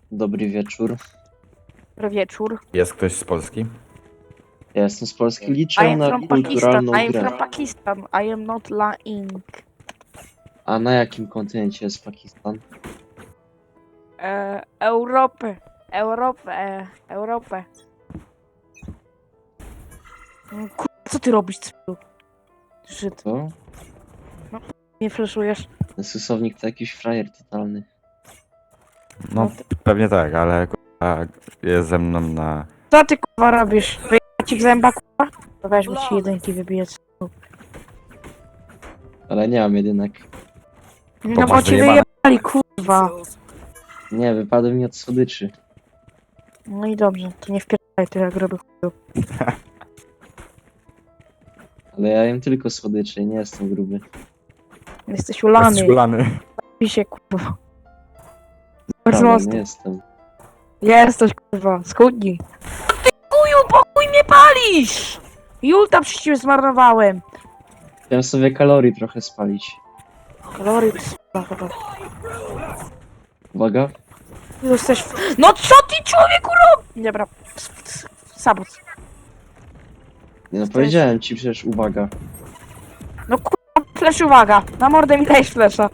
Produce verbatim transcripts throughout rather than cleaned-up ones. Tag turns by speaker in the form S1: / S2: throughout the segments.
S1: Dobry wieczór.
S2: Dobry wieczór.
S3: Jest ktoś z Polski?
S1: Ja jestem z Polski,
S2: I
S1: liczę
S2: am
S1: na
S2: from Pakistan.
S1: kulturalną
S2: I am
S1: grę.
S2: from Pakistan. I am not lying.
S1: A na jakim kontynencie jest Pakistan?
S2: E, Europę. Europę. E, Europę. Mm, Kur... Co ty robisz, c***u? Żyd.
S1: To?
S2: Nie fleszujesz.
S1: Ten stosownik to jakiś frajer totalny.
S3: No pewnie tak, ale kurwa, jest ze mną na...
S2: Co ty kurwa robisz? Wyjechać ci w zęba kurwa? To weź, bo ci jedynki wybiję. c***u.
S1: Ale nie mam jedynek.
S2: No bo
S3: masz
S2: ci
S3: wyjebane.
S2: wyjebali kurwa.
S1: Nie, wypadły mi od słodyczy.
S2: No i dobrze, to nie wpierdaj ty jak robię chuju.
S1: Ale ja jem tylko słodycze i nie jestem gruby.
S2: Jesteś ulany.
S3: Ulany.
S2: Pisie kurwa.
S1: Ale
S2: Bardzo mocno.
S1: nie jestem.
S2: Jesteś kurwa, schudnij. Ty kuju, pokój mnie palisz! Julta przecież ciebie zmarnowałem.
S1: Chciałem sobie kalorii trochę spalić.
S2: Kalorii p***a chyba.
S1: Uwaga.
S2: Jesteś... w- No co ty człowieku robisz? Dobra, s- s- sabot.
S1: Nie no, powiedziałem ci przecież uwaga.
S2: No kurwa, flash uwaga. Na mordę mi dajesz flasha.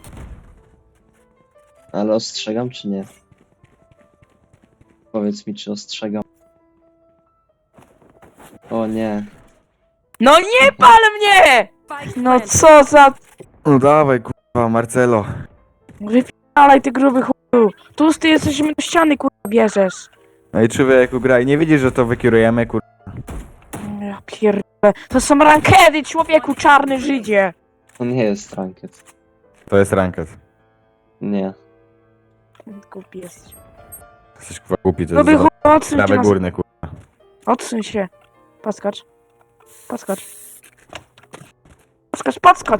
S1: Ale ostrzegam czy nie? Powiedz mi, czy ostrzegam. O nie.
S2: No nie pal mnie! No co za...
S3: No dawaj kurwa, Marcelo.
S2: Wypierdalaj ty gruby chuju. Tu ty jesteś do ściany kurwa bierzesz.
S3: No i człowieku graj, nie widzisz, że to wykierujemy kurwa.
S2: Ja pierdolę. To są rankedy, człowieku, czarny Żydzie.
S1: To nie jest ranket.
S3: To jest ranket.
S1: Nie.
S2: Głupi jesteś.
S3: Jesteś kurwa głupi, to
S2: Gruby
S3: jest
S2: chuj, odsuń się
S3: prawy
S2: na...
S3: górny kurwa.
S2: Odsuń się. Podskocz. Podskocz. Podskocz, podskocz.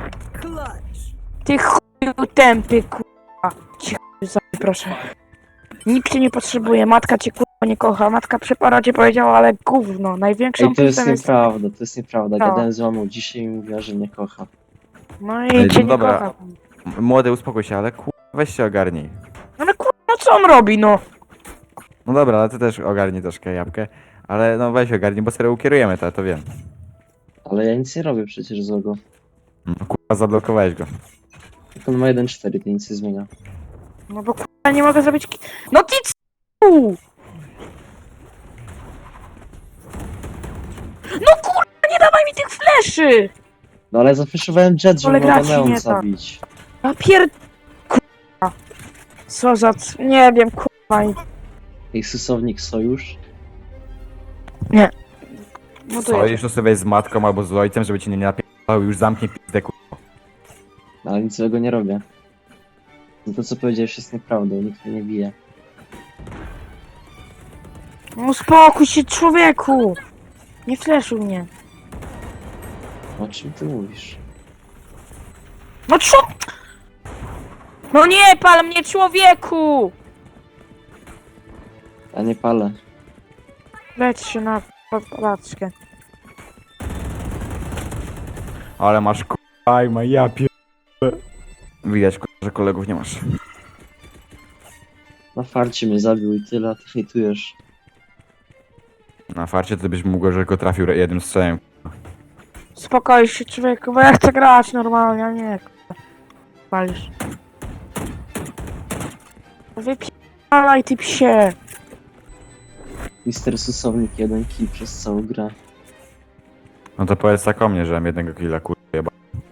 S2: Ty chuju tępy, kurwa. Ci chuju zabij, proszę. Nikt cię nie potrzebuje, matka cię kurwa nie kocha. Matka przy porodzie powiedziała, ale gówno. Największą
S1: Ej, to jest
S2: plusem jest...
S1: nieprawda, to jest nieprawda.
S2: No.
S1: Gadałem z mamą dzisiaj i mówiła, że nie kocha.
S2: No
S3: Ej,
S2: i cię
S3: no
S2: nie
S3: dobra.
S2: kocha.
S3: M- Młody, uspokój się, ale kurwa, weź się ogarnij.
S2: Ale kurwa, no co on robi, no?
S3: No dobra, ale ty też ogarnij troszkę jabłkę. Ale no weź ogarnij, bo serio ukierujemy to, to wiem.
S1: Ale ja nic nie robię przecież złego.
S3: No kurwa, zablokowałeś go.
S1: Jak on ma jeden cztery, to nic nie zmienia.
S2: No bo kurwa nie mogę zrobić... ki- No ty c***u! No kurwa, nie dawaj mi tych fleszy!
S1: No ale zafeszowałem jet, żeby
S2: Ale gra ci
S1: Neon
S2: nie tak.
S1: zabić.
S2: A pier... Kurwa. Co za... c- Nie wiem, kurwa. i-
S1: Ej, stosownik sojusz?
S2: No to
S3: Co,
S2: jest.
S3: jeszcze sobie z matką albo z ojcem, żeby ci nie napierdalał, już zamknij pizdę kurwa.
S1: No, ale nic złego nie robię. No to co powiedziałeś jest nieprawdą, nikt mnie nie bije.
S2: No uspokój się, człowieku! Nie fleszuj mnie.
S1: O czym ty mówisz?
S2: No co? No nie pal mnie, człowieku!
S1: Ja nie palę.
S2: Leć się na paczkę.
S3: Ale masz kurwa, ma ja pier... Widać kurwa, że kolegów nie masz.
S1: Na farcie mnie zabił i tyle, a ty hejtujesz.
S3: Na farcie to byś mógł, że go trafił jednym strzałem.
S2: Spokoj się, człowieku, bo ja chcę grać normalnie, a nie kurwa. Palisz. Wypierdalaj ty psie.
S1: Mister Stosownik jeden kill przez całą grę.
S3: No to powiedz tak o mnie, że mam jednego killa kurwa jeba.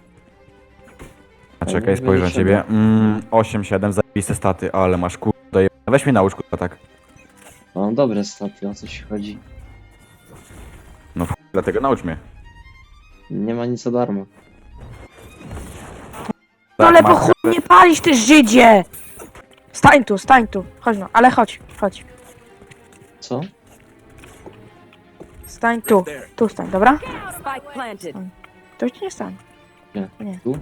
S3: A
S1: Ale
S3: czekaj,
S1: nie
S3: spojrzę na
S1: będzie
S3: ciebie. Mm, osiem siedem, zajebiste staty, ale masz kurwa doje... Weź mnie naucz kurwa tak.
S1: Mam dobre staty, o co ci chodzi.
S3: No f... dlatego naucz mnie.
S1: Nie ma nic za darmo.
S2: No ale po
S3: masz-
S2: chuj nie palisz ty Żydzie! Stań tu, stań tu. Chodź no, ale chodź, chodź.
S1: Co?
S2: Stań tu, tu stań, dobra?
S4: Spike planted.
S2: To ci nie stań.
S1: Nie.
S2: Nie.
S1: Tu?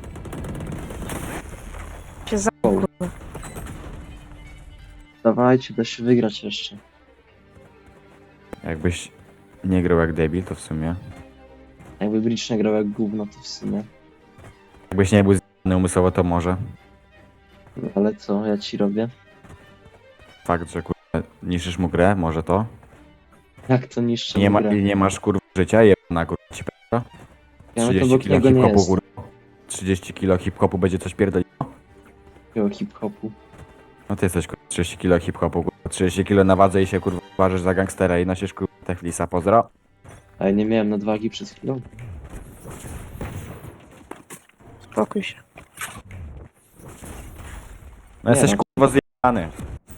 S2: Się za...
S1: Wow.
S2: kurwa.
S1: Dawajcie, da się wygrać jeszcze.
S3: Jakbyś nie grał jak debil, to w sumie.
S1: Jakby Breach nie grał jak gówno, to w sumie.
S3: Jakbyś nie był z***ny umysłowo, to może.
S1: No, ale co, ja ci robię?
S3: fakt, że kurwa niszczysz mu grę, może to?
S1: Jak to niszczy
S3: Nie, ma,
S1: grę?
S3: nie masz kurwa życia, jebana kurwa ci p***a.
S1: Ja no to
S3: trzydzieści
S1: obok
S3: kilo
S1: niego nie
S3: hip-hopu
S1: jest.
S3: kurwa. trzydzieści kilo hip-hopu będzie coś pierdoliło?
S1: Takiego hip-hopu.
S3: No ty jesteś kurwa trzydzieści kilo hip-hopu kurwa. trzydzieści kilo na wadze i się kurwa uważasz za gangstera i nosisz kurwa Teflisa, pozdro.
S1: A ja nie miałem nadwagi przed chwilą.
S2: Spokój się.
S3: No
S1: Nie
S3: jesteś
S1: no.
S3: kurwa zjebany.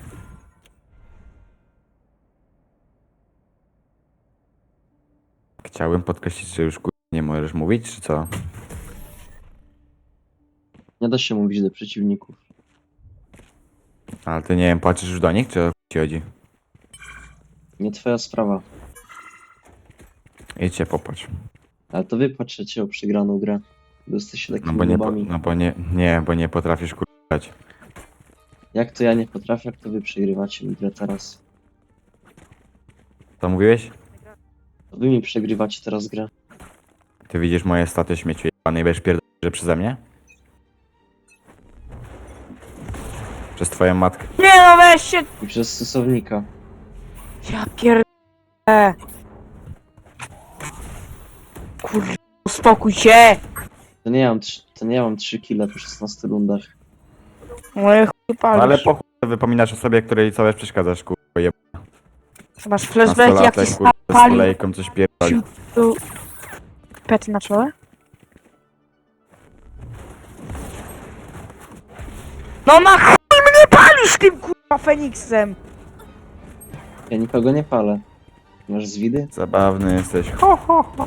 S3: Chciałbym podkreślić, że już kurwa nie możesz mówić, czy co?
S1: Nie da się mówić do przeciwników.
S3: Ale ty nie wiem, płaczesz już do nich, czy o chuj ci chodzi?
S1: Nie twoja sprawa.
S3: Idźcie popłacz.
S1: Ale to wy patrzycie o przegraną grę. Bo jesteście
S3: No
S1: takimi
S3: bo nie, po,
S1: nubami.
S3: no bo nie, nie, bo nie potrafisz kurwa grać.
S1: Jak to ja nie potrafię, jak to wy przegrywacie mi grę teraz?
S3: Co mówiłeś?
S1: To wy mi przegrywacie teraz grę.
S3: Ty widzisz moje staty śmieci jebane i będziesz pierdolić, że przeze mnie? Przez twoją matkę.
S2: Nie no weź się!
S1: I przez stosownika.
S2: Ja pierdolę. Kurde, uspokój się!
S1: To nie ja mam, trz- to nie ja mam trzy kile po szesnastu rundach.
S2: Moje chuj
S3: No
S2: palisz.
S3: ale po chuj wypominasz o sobie, której całe przeszkadzasz, kurwa, jeb...
S2: Masz flashback jaki
S3: Nastolatek, kurwa, z
S2: pali.
S3: kolejką coś pierdoli.
S2: Tu... Pety na czole? No na chuj mnie palisz tym kurwa Feniksem!
S1: Ja nikogo nie palę. Masz zwidy?
S3: Zabawny jesteś. Ho, ho, ho.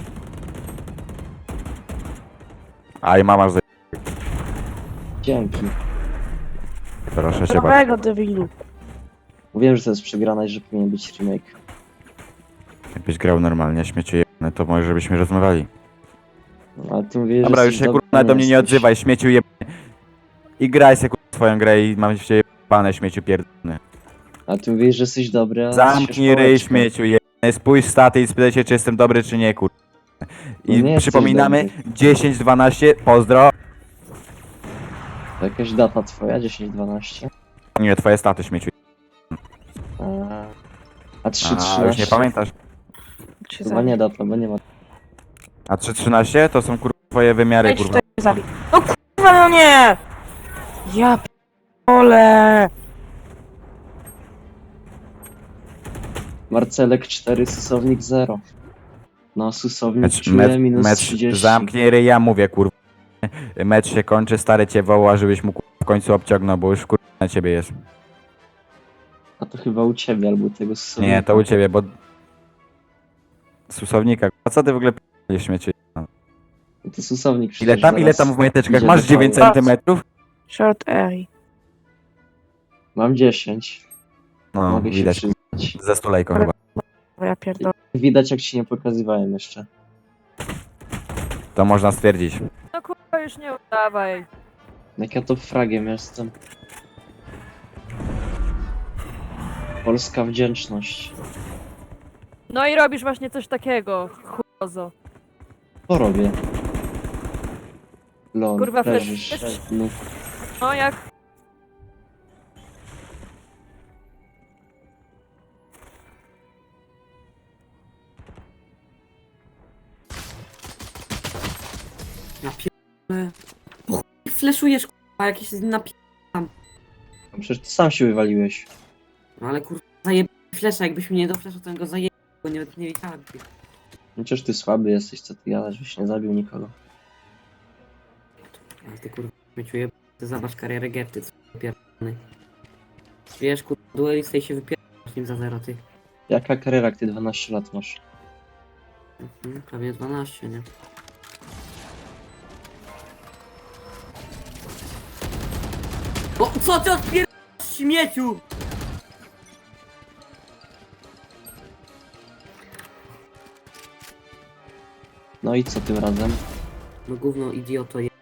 S3: Aj, mama za...
S1: Dzięki.
S3: Proszę cię bardzo.
S2: Prawego debilu.
S1: Mówiłem, że to jest przegrana i że powinien być remake.
S3: Jakbyś grał normalnie, śmieciu jebany, to może żebyśmy rozmawiali.
S1: No, ale ty mówisz,
S3: Dobra,
S1: że
S3: już się
S1: jesteś
S3: kurwa
S1: dobry,
S3: nawet do mnie nie
S1: jesteś.
S3: odzywaj, śmieciu jebany. I graj se kurwa swoją grę i mam się jebane, śmieciu pierdolony.
S1: A ty mówisz, że jesteś dobry, a
S3: Zamknij ryj, śmieciu jebany, spójrz staty i spytaj się, czy jestem dobry, czy nie, kurwa.
S1: No
S3: I
S1: nie jesteś
S3: przypominamy,
S1: dobry.
S3: dziesięć dwanaście, pozdro.
S1: To jakaś data twoja, dziesięć dwanaście.
S3: Nie, twoje staty, śmieciu.
S1: A, a trzy
S3: A, już
S1: trzynaście.
S3: nie pamiętasz.
S2: Cię
S1: Chyba nie data, bo nie ma.
S3: A trzy trzynaście to są kurwa twoje wymiary,
S2: Wejdź
S3: kurwa.
S2: tutaj zabij. No kurwa no nie! Ja p***ole.
S1: Marcelek cztery, susownik zero. No, susownik
S3: Mecz,
S1: czuje
S3: mecz,
S1: minus
S3: mecz
S1: trzydzieści.
S3: zamknij ryj, ja mówię, kurwa. Mecz się kończy, stary cię woła, żebyś mu kurwa, w końcu obciągnął, bo już kurwa na ciebie jest.
S1: A to chyba u ciebie albo tego susownika.
S3: Nie, to u ciebie, bo... Susownika, a co ty w ogóle p***lisz, śmieci?
S1: No to susownik
S3: Ile
S1: przecież
S3: tam, ile
S1: zaraz
S3: tam w majteczkach?
S1: idzie
S3: Masz
S1: do
S3: dziewięć
S1: pały.
S3: centymetrów?
S2: Short area.
S1: Mam dziesięć.
S3: No,
S1: Mogę się
S3: widać,
S1: przyznać.
S3: ze stulejką chyba.
S2: Ja pierdolę.
S1: Widać, jak ci nie pokazywałem jeszcze.
S3: To można stwierdzić.
S4: No kurwa, już nie udawaj.
S1: Jak ja to fragiem jestem. Polska wdzięczność.
S4: No i robisz właśnie coś takiego, chujozo.
S1: Co robię? Lol,
S4: Kurwa,
S1: leżysz.
S4: flash-
S1: No,
S4: No jak...
S5: Ja pierdolę. Po chuj fleszujesz, kurwa, jakieś napi...
S1: no przecież ty sam się wywaliłeś.
S5: No ale kurwa, zajeb... flesza, jakbyś mnie nie dofleszał, to bym go zajeb... bo nie, nie wiedziałem. ty.
S1: No przecież ty słaby jesteś, co ty gadasz, byś nie zabił nikogo.
S5: Ale ty kurwa, śmieciuję, ty zobacz karierę Gerty, co pierdolony. Wiesz, kurwa, duelista i się wypierdolasz nim za zero, ty.
S1: Jaka kariera, jak ty dwanaście lat masz?
S5: Mhm, prawie dwanaście, nie? O, co ty odpierdolasz, śmieciu?
S1: No i co tym razem?
S5: No gówno, idioto, je...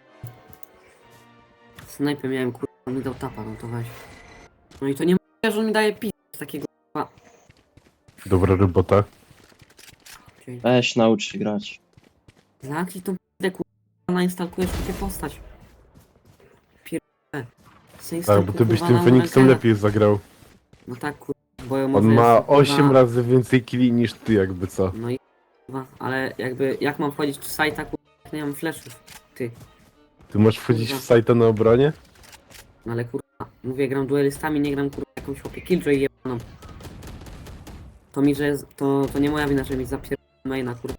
S5: Snajpę miałem, kurwa, on mi dał tapa, no to weź. No i to nie mówię, że on mi daje pis takiego, kurwa.
S6: Dobra robota.
S5: Okej.
S1: Weź, naucz się grać.
S5: Zamknij tą p***ę, kurwa, nainstalkujesz takie postać. Pierdolę.
S6: Tak, bo ty byś tym Feniksem lepiej zagrał.
S5: No tak, kurwa, bo
S6: On
S5: może
S6: ma
S5: jest, kurwa,
S6: osiem razy więcej killi niż ty, jakby co.
S5: No i kurwa, ale jakby, jak mam wchodzić w sajta, kurwa, jak nie mam flashów, ty.
S6: Ty możesz wchodzić
S5: Kurwa.
S6: w sajta na obronie?
S5: No ale kurwa, mówię, gram duelistami, nie gram kurwa jakąś chłopie killjoy jebaną. To mi, że jest, to, to nie moja wina, że mi zapierdolę maina, kurwa.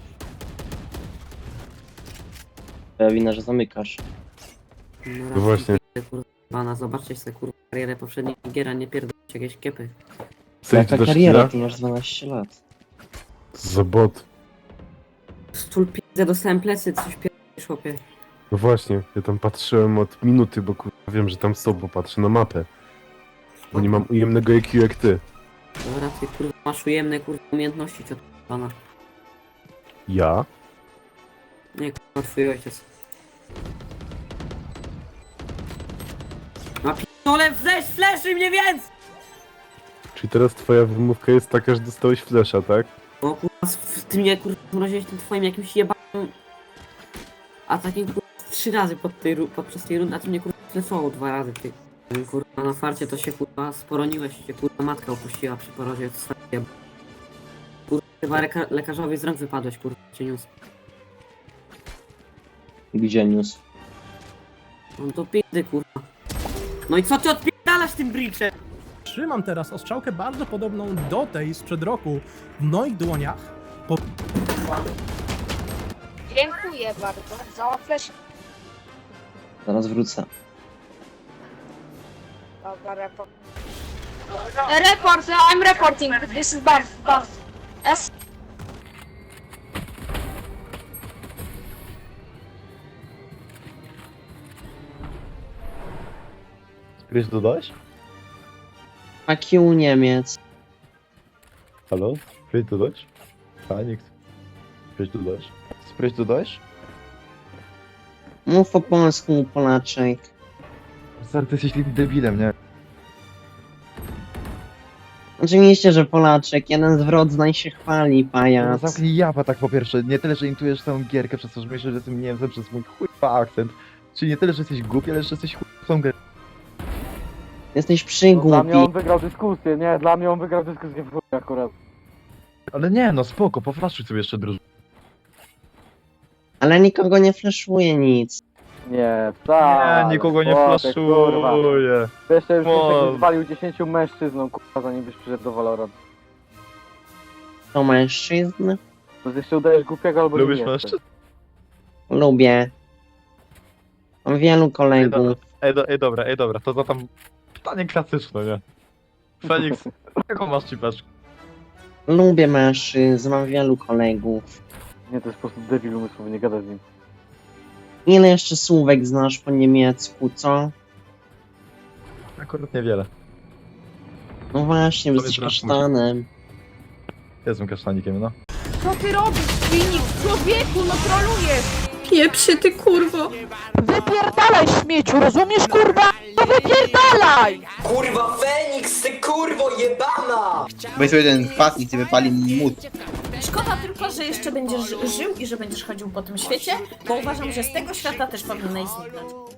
S1: Twoja wina, że zamykasz.
S5: No,
S6: No
S5: raz
S6: właśnie.
S5: mi kurwa, bana, zobaczcie sobie kurwa karierę poprzedniej giera, nie pierdolcie jakieś kiepy.
S6: Sejdź
S1: Jaka
S6: do
S1: kariera,
S6: szkila?
S1: ty masz dwanaście lat.
S6: Za bot.
S5: Stul pizdę, dostałem plecy, coś pierdolisz chłopie.
S6: No właśnie, ja tam patrzyłem od minuty, bo kurwa wiem, że tam są, bo patrzę na mapę. Bo nie mam ujemnego I Q jak ty.
S5: Dobra, ty kurwa masz ujemne kurwa umiejętności, ciot bana.
S6: Ja?
S5: Nie kurwa, twój ojciec. A pierdolę, flash, flashy mnie więc!
S6: Czyli teraz twoja wymówka jest taka, że dostałeś flesza, tak?
S5: O kurwa, s- ty mnie kurwa mroziłeś tym twoim jakimś jebanym atakiem kurwa trzy razy pod tej, ru- podczas tej rundy, a ty mnie kurwa flashował dwa razy, ty. Kurwa na farcie to się kurwa sporoniłeś, się kurwa matka opuściła przy porodzie, to swoje jeb... Kurwa chyba leka- lekarzowi z rąk wypadłeś, kurwa cię niósł.
S1: Gdzie niósł?
S5: No to pizdy kurwa. No i co ty odpierdalasz tym bridge'em?
S7: Trzymam teraz ostrzałkę bardzo podobną do tej sprzed roku w moich dłoniach.
S8: Dziękuję bardzo za flash.
S1: Zaraz wrócę.
S8: Dobra, report. Report, I'm reporting. This is Buff. Buff. S.
S9: Spryć dodać?
S1: Fuck you, Niemiec.
S9: Halo? Spryć dodać? A, nie chcę. Spryć dodać? Spryć dodać?
S1: Mów po polsku, Polaczek.
S9: Stary, ty jesteś debilem, nie?
S1: Oczywiście, że Polaczek. Jeden z wrodzeń się chwali,
S9: No,
S1: pajac.
S9: zamknij japa tak po pierwsze. Nie tyle, że intujesz całą gierkę przez to, że myślisz, że jestem Niemcem przez mój chujowy akcent. Czyli nie tyle, że jesteś głupi, ale że jesteś chujową grę.
S1: Jesteś
S3: Dla mnie on
S1: przygłupi.
S3: wygrał dyskusję, nie, dla mnie on wygrał dyskusję w chuj akurat.
S9: Ale nie, no spoko, poflaszuj sobie jeszcze drużynę.
S1: Ale nikogo nie fleszuje nic.
S3: Nie, wcale.
S9: Nie, nikogo nie
S3: chłopie, kurwa.
S9: flaszuję.
S3: Jeszcze już
S9: Mo-
S3: nikt zwalił dziesięciu mężczyzną, kurwa, zanim byś przyszedł do Valorant.
S1: To mężczyzn?
S3: To jeszcze udajesz głupiego albo
S9: Lubisz
S3: nie
S9: mężczyzn?
S1: Lubię. Mam wielu
S9: Ej,
S1: kolegów.
S9: do, ej, do, ej, dobra, ej, dobra, to za tam pytanie klasyczne, nie? Feniks, jaką masz cipeczkę?
S1: Lubię mężczyzn, mam wielu kolegów.
S3: Nie, to jest po prostu debil umysłowy, nie gadaj z nim.
S1: Ile jeszcze słówek znasz po niemiecku, co?
S9: Akurat niewiele.
S1: No właśnie, bo
S9: Powiedz
S1: jesteś
S9: raz,
S1: kasztanem.
S9: Jestem kasztanikiem, no.
S2: Co ty robisz, Phoenix? Człowieku, no trolujesz!
S8: Pieprzy ty kurwo.
S2: Wypierdalaj, śmieciu, rozumiesz, kurwa? No wypierdalaj!
S10: Kurwa Feniks, ty kurwo jebana!
S11: Weź sobie ten patnik i wypali mód.
S8: Szkoda tylko, że jeszcze będziesz ży- żył i że będziesz chodził po tym świecie, bo uważam, że z tego świata też powinieneś zniknąć.